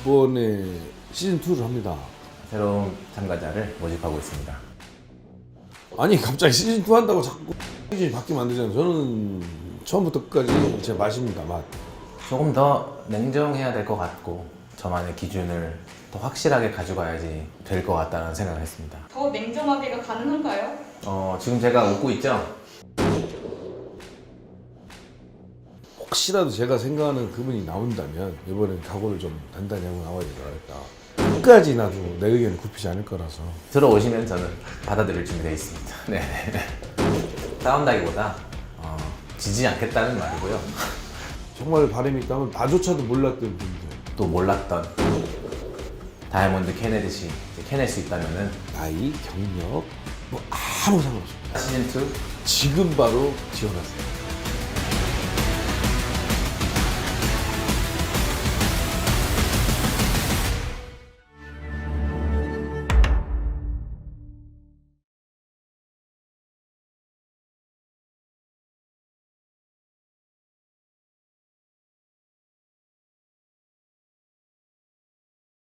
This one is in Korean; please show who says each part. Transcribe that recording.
Speaker 1: 이번에 시즌2를 합니다.
Speaker 2: 새로운 참가자를 모집하고 있습니다.
Speaker 1: 아니 갑자기 시즌2 한다고 자꾸 시즌이 바뀌면 안 되잖아요. 저는 처음부터 끝까지 제 맛입니다. 맛.
Speaker 2: 조금 더 냉정해야 될 것 같고 저만의 기준을 더 확실하게 가져가야지 될 것 같다는 생각을 했습니다.
Speaker 3: 더 냉정하게가 가능한가요?
Speaker 2: 지금 제가 웃고 있죠?
Speaker 1: 혹시라도 제가 생각하는 그분이 나온다면 이번엔 각오를 좀 단단히 하고 나와야 되겠다. 끝까지 나도 내 의견을 굽히지 않을 거라서.
Speaker 2: 들어오시면 저는 받아들일 준비되어 있습니다. 네. 싸운다기보다 지지 않겠다는 말이고요.
Speaker 1: 정말 바람이 있다면 나조차도 몰랐던 분들.
Speaker 2: 또 몰랐던 다이아몬드 캐넷이 캐낼 수 있다면은
Speaker 1: 나이, 경력 뭐 아무 상관없습니다.
Speaker 2: 시즌2
Speaker 1: 지금 바로 지원하세요.